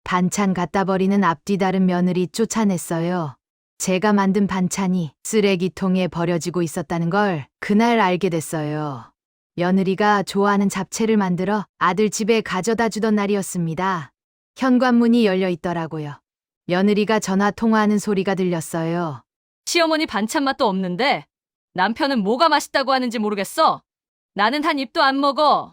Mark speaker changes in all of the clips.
Speaker 1: 반찬 갖다 버리는 앞뒤 다른 며느리 쫓아냈어요. 제가 만든 반찬이 쓰레기통에 버려지고 있었다는 걸 그날 알게 됐어요. 며느리가 좋아하는 잡채를 만들어 아들 집에 가져다 주던 날이었습니다. 현관문이 열려 있더라고요. 며느리가 전화 통화하는 소리가 들렸어요.
Speaker 2: 시어머니 반찬 맛도 없는데 남편은 뭐가 맛있다고 하는지 모르겠어. 나는 한 입도 안 먹어.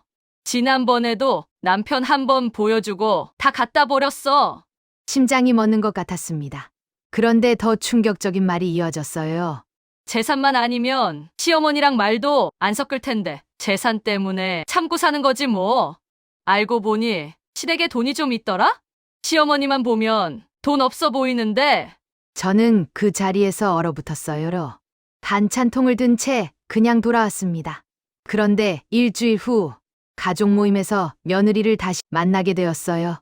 Speaker 2: 지난번에도 남편 한 번 보여주고 다 갖다 버렸어.
Speaker 1: 심장이 멎는 것 같았습니다. 그런데 더 충격적인 말이 이어졌어요.
Speaker 2: 재산만 아니면 시어머니랑 말도 안 섞을 텐데 재산 때문에 참고 사는 거지 뭐. 알고 보니 시댁에 돈이 좀 있더라? 시어머니만 보면 돈 없어 보이는데.
Speaker 1: 저는 그 자리에서 얼어붙었어요. 반찬통을 든 채 그냥 돌아왔습니다. 그런데 일주일 후 가족 모임에서 며느리를 다시 만나게 되었어요.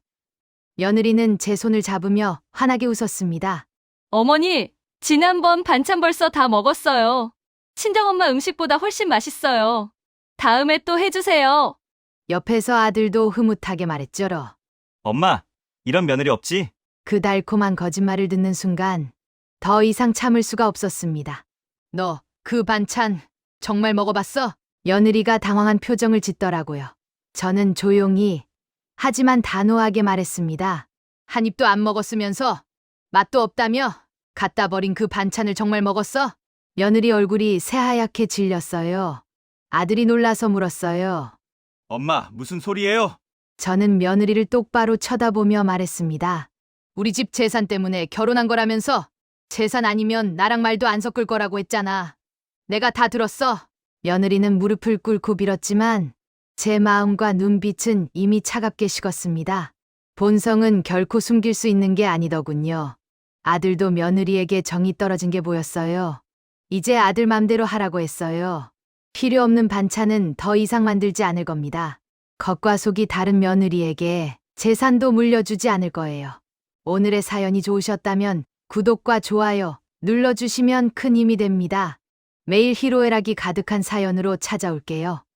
Speaker 1: 며느리는 제 손을 잡으며 환하게 웃었습니다.
Speaker 2: 어머니, 지난번 반찬 벌써 다 먹었어요. 친정엄마 음식보다 훨씬 맛있어요. 다음에 또 해주세요.
Speaker 1: 옆에서 아들도 흐뭇하게 말했죠로.
Speaker 3: 엄마, 이런 며느리 없지?
Speaker 1: 그 달콤한 거짓말을 듣는 순간 더 이상 참을 수가 없었습니다. 너 그 반찬 정말 먹어봤어? 며느리가 당황한 표정을 짓더라고요. 저는 조용히 하지만 단호하게 말했습니다. 한 입도 안 먹었으면서 맛도 없다며? 갖다 버린 그 반찬을 정말 먹었어? 며느리 얼굴이 새하얗게 질렸어요. 아들이 놀라서 물었어요.
Speaker 3: 엄마, 무슨 소리예요?
Speaker 1: 저는 며느리를 똑바로 쳐다보며 말했습니다. 우리 집 재산 때문에 결혼한 거라면서 재산 아니면 나랑 말도 안 섞을 거라고 했잖아. 내가 다 들었어. 며느리는 무릎을 꿇고 빌었지만 제 마음과 눈빛은 이미 차갑게 식었습니다. 본성은 결코 숨길 수 있는 게 아니더군요. 아들도 며느리에게 정이 떨어진 게 보였어요. 이제 아들 맘대로 하라고 했어요. 필요 없는 반찬은 더 이상 만들지 않을 겁니다. 겉과 속이 다른 며느리에게 재산도 물려주지 않을 거예요. 오늘의 사연이 좋으셨다면 구독과 좋아요 눌러주시면 큰 힘이 됩니다. 매일 희로애락이 가득한 사연으로 찾아올게요.